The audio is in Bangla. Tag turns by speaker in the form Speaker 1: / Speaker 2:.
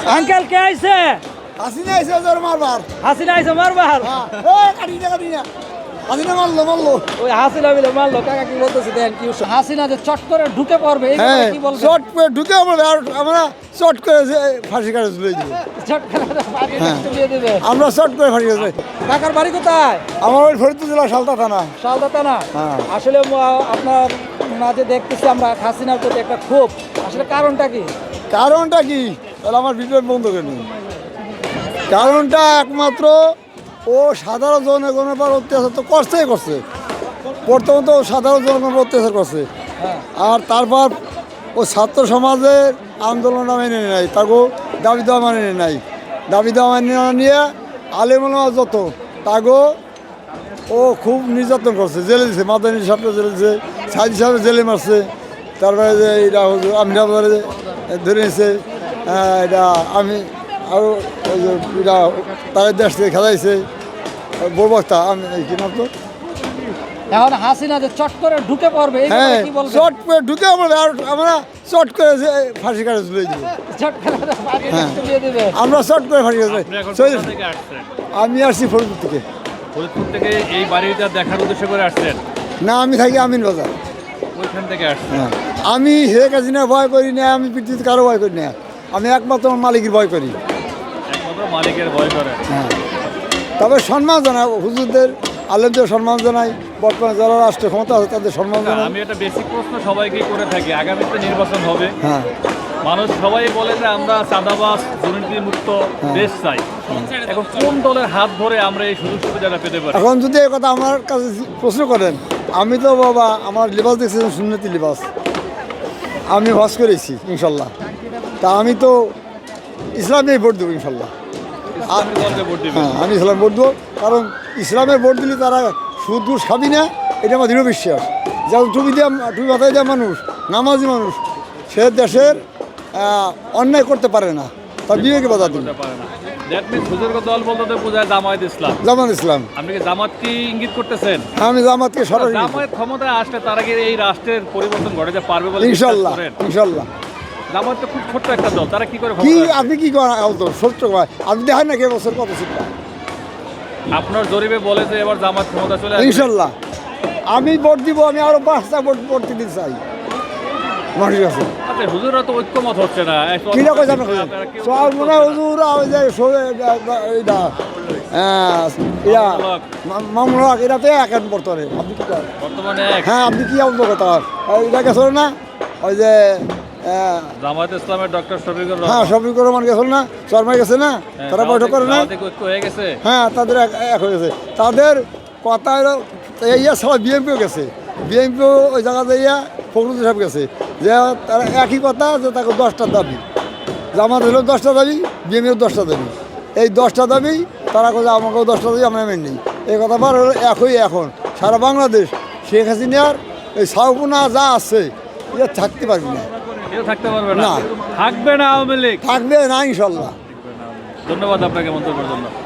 Speaker 1: আঙ্কেল কে আইছে?
Speaker 2: হাসিনা আইছে ওদের মারবার।
Speaker 1: হাসিনা আইছে মারবার।
Speaker 2: কাটি না। হাসিনা মারলো।
Speaker 1: ওই হাসিনা মিলে মারলো। কাকা কি বলতেছে দেন কি হাসিনা যে চট করে ঢুকে পড়বে এই কথা কি বলবেন?
Speaker 2: চট করে ঢুকে পড়বে আর আমরা চট করে ফাঁসি কাটে তুলে দিব।
Speaker 1: চট করে ফাঁসি তুলে দিবে।
Speaker 2: আমরা চট করে ফাঁসি কাটে।
Speaker 1: কাকার বাড়ি কোথায়?
Speaker 2: আমার ওই ফরিদপুর জেলা সালতা থানা।
Speaker 1: শালদা থানা। আসলে আপনার মাঝে দেখতেছি আমরা হাসিনার প্রতি একটা ক্ষোভ। আসলে কারণটা কি?
Speaker 2: কারণটা কি? তাহলে আমার ভিডিও বন্ধ করে নিন। কারণটা একমাত্র ও সাধারণ জনগণের উপর অত্যাচার তো করছে। প্রথমত তো সাধারণ জনগণের অত্যাচার করছে, আর তারপর ও ছাত্র সমাজের আন্দোলনটা মেনে নেয়, তাকেও দাবি দেওয়া মানে নাই। দাবি দেওয়া মানে না নিয়ে আলেমুলামা যত তাকেও ও খুব নির্যাতন করছে, জেলে দিছে। মাদানী সাহেবকে জেলে দিছে, সাইদ সাহেব জেলে মারছে। তারপরে যে এটা আমিরাবাজারে ধরে নিয়েছে, এটা আমি আরও ওই যে এটা তাদের দেশ থেকে খেলাইছে বড় বক্তা। আমি কি নাম তো
Speaker 1: এখন হাসিনা যে চট করে ঢুকে পড়বে এই কথা কি বলবেন?
Speaker 2: চট করে ঢুকে পড়বে আর আমরা চট করে ফাঁসি কাটে তুলে দিব।
Speaker 1: চট করে ফাঁসি তুলে দিবে।
Speaker 2: আমরা চট করে ফাঁসি কাটে। আমি আসছি ফরিদপুর থেকে।
Speaker 3: ফরিদপুর থেকে এই বাড়িটা দেখার উদ্দেশ্য করে আসছেন?
Speaker 2: না, আমি থাকি আমিন বাজার।
Speaker 3: ওইখান থেকে আসছেন?
Speaker 2: আমি শেখ হাসিনা ভয় করি না, আমি পৃথিবীতে কারো ভয় করি না। আমি একমাত্র আমার মালিকের ভয় করি।
Speaker 3: একমাত্র মালিকের ভয় করে?
Speaker 2: হ্যাঁ, তবে সম্মান জানাই হুজুরদের, আলেমদের সম্মান জানাই, বর্তমানে যারা রাষ্ট্রের ক্ষমতা আছে তাদের সম্মান জানাই।
Speaker 3: আমি একটা বেসিক প্রশ্ন সবাইকে করে থাকি, আগামীতে নির্বাচন হবে,
Speaker 2: হ্যাঁ,
Speaker 3: মানুষ সবাই বলে যে আমরা চাঁদাবাজ দুর্নীতি মুক্ত দেশ চাই। এখন কোন দলের হাত ধরে আমরা এই সুযোগ সুবিধাটা পেতে পারি?
Speaker 2: এখন যদি এই কথা আমার কাছে প্রশ্ন করেন, আমি তো বাবা আমার লিবাস দেখছেন, সুন্নতি লিবাস। আমি হজ করেছি ইনশাল্লাহ। তা আমি তো ইসলামে ভোট দেবো ইনশাল্লাহ। হ্যাঁ, আমি ইসলাম ভোট দেবো, কারণ ইসলামে ভোট দিলে তারা সুদ ঘুষ খাবি না, এটা আমার দৃঢ় বিশ্বাস। যেমন টুপি মাথায় দেওয়া মানুষ, নামাজি মানুষ, সে দেশের অন্যায় করতে পারে না, তার বিবেকে বাধা দিবে।
Speaker 3: দল বলতে বোঝায় জামায়াত ইসলাম।
Speaker 2: জামাত ইসলাম।
Speaker 3: আপনি কি জামাত কি ইঙ্গিত করতেছেন?
Speaker 2: আমি জামাতকে সরাসরি
Speaker 3: জামায়াত ক্ষমতায় আসলে তার আগে এই রাষ্ট্রের পরিবর্তন ঘটাতে পারবে বলে
Speaker 2: ইনশাল্লাহ। ইনশাল্লাহ।
Speaker 3: জামায়াত তো খুব ছোট্ট একটা দল, তারা কি করে?
Speaker 2: কি আপনি কি করেন? সত্য কয় আপনি দেখেন না কে বছর কত সিট পায়?
Speaker 3: আপনার জরিপে বলে যে এবার জামাত ক্ষমতা চলে আসবে
Speaker 2: ইনশাল্লাহ। আমি ভোট দিব, আমি আরো 5টা ভোট দিতে চাই মানুষের কাছে।
Speaker 3: আচ্ছা, হুজুররা তো ঐক্যমত হচ্ছে না।
Speaker 2: কিনা কইছে আপনার সব মনে হয় হুজুর ওই যে এইটা মামলাক এটা তো এক বর্তমানে। আপনি কি করেন
Speaker 3: বর্তমানে?
Speaker 2: হ্যাঁ, আপনি কি অবগত? এটা গেছিল না ওই যে
Speaker 3: জামায়াত ইসলামের ডক্টর শফিকুর
Speaker 2: হ্যাঁ,
Speaker 3: রহমান?
Speaker 2: শফিকুর রহমান গেছিল না, শর্মা গেছে না, তারা বৈঠক করে না?
Speaker 3: ঐক্য হয়ে গেছে।
Speaker 2: হ্যাঁ, তাদের এক হয়ে গেছে। তাদের কথা ইয়া ছাড়া বিএমপিও গেছে। বিএমপিও ওই জায়গাতে ইয়া ফখরুল সাহেব গেছে, যে তারা একই কথা, যে তাকে 10টা দাবি। জামাত হলেও 10টা দাবি, বিএমপিও 10টা দাবি। এই 10টা দাবি তারা কোথায় আমাকেও 10টা দাবি, আমরা মেনে নিই। এই কথা বার হলো একই। এখন সারা বাংলাদেশ শেখ হাসিনার এই সাউপুনা যা আছে এটা থাকতে পারবি না।
Speaker 3: থাকতে পারবে
Speaker 2: না।
Speaker 3: থাকবে না আওয়ামী লীগ?
Speaker 2: থাকবে না ইনশাল্লাহ।
Speaker 3: ধন্যবাদ আপনাকে মন্তব্যের জন্য।